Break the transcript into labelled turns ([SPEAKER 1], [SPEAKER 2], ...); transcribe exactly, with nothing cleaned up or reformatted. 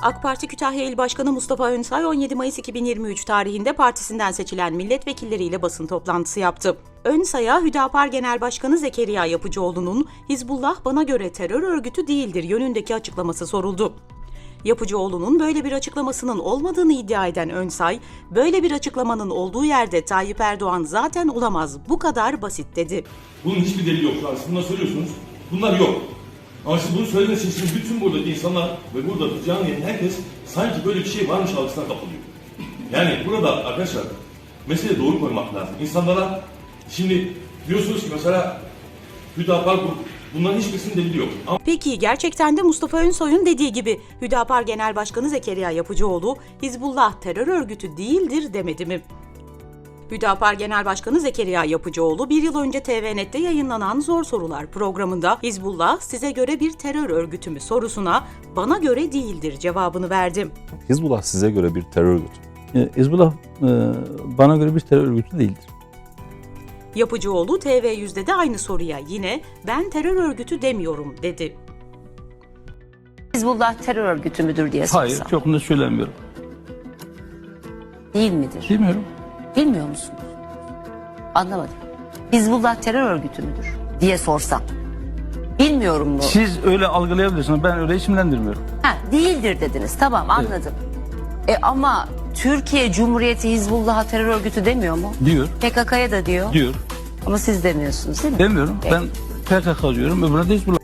[SPEAKER 1] AK Parti Kütahya İl Başkanı Mustafa Önsay on yedi Mayıs iki bin yirmi üç tarihinde partisinden seçilen milletvekilleriyle basın toplantısı yaptı. Önsay'a Hüdapar Genel Başkanı Zekeriya Yapıcıoğlu'nun "Hizbullah bana göre terör örgütü değildir" yönündeki açıklaması soruldu. Yapıcıoğlu'nun böyle bir açıklamasının olmadığını iddia eden Önsay, "Böyle bir açıklamanın olduğu yerde Tayyip Erdoğan zaten olamaz, bu kadar basit" dedi.
[SPEAKER 2] Bunun hiçbir delili yok. Şu an siz bunları söylüyorsunuz. Bunlar yok. Ama siz bunu söylediğiniz için şimdi bütün buradaki insanlar ve burada canlı yayın herkes sanki böyle bir şey varmış algısına kapılıyor. Yani burada arkadaşlar mesele doğru koymak lazım. İnsanlara şimdi diyorsunuz ki mesela Hüdapar grup, bunların hiçbirisinin delili yok. Ama
[SPEAKER 1] Peki gerçekten de Mustafa Önsoy'un dediği gibi Hüdapar Genel Başkanı Zekeriya Yapıcıoğlu "Hizbullah terör örgütü değildir" demedi mi? Hüdapar Genel Başkanı Zekeriya Yapıcıoğlu bir yıl önce T V Net'te yayınlanan Zor Sorular programında "Hizbullah size göre bir terör örgütü mü?" sorusuna "Bana göre değildir" cevabını verdi.
[SPEAKER 3] Hizbullah size göre bir terör örgütü.
[SPEAKER 4] E, Hizbullah e, bana göre bir terör örgütü değildir.
[SPEAKER 1] Yapıcıoğlu T V yüzde de aynı soruya yine "Ben terör örgütü demiyorum" dedi.
[SPEAKER 5] Hizbullah terör örgütü müdür diye sorsam.
[SPEAKER 4] Hayır, çok net söylemiyorum.
[SPEAKER 5] Değil midir?
[SPEAKER 4] Bilmiyorum.
[SPEAKER 5] Bilmiyor musunuz? Anlamadım. Hizbullah terör örgütü müdür diye sorsam. Bilmiyorum mu?
[SPEAKER 4] Siz öyle algılayabilirsiniz. Ben öyle isimlendirmiyorum.
[SPEAKER 5] Ha, değildir dediniz. Tamam, anladım. E ama Türkiye Cumhuriyeti Hizbullah'a terör örgütü demiyor mu?
[SPEAKER 4] Diyor.
[SPEAKER 5] P K K'ya da diyor.
[SPEAKER 4] Diyor.
[SPEAKER 5] Ama siz demiyorsunuz değil mi?
[SPEAKER 4] Demiyorum.
[SPEAKER 5] Peki.
[SPEAKER 4] Ben P K K diyorum. Öbürüne de Hizbullah.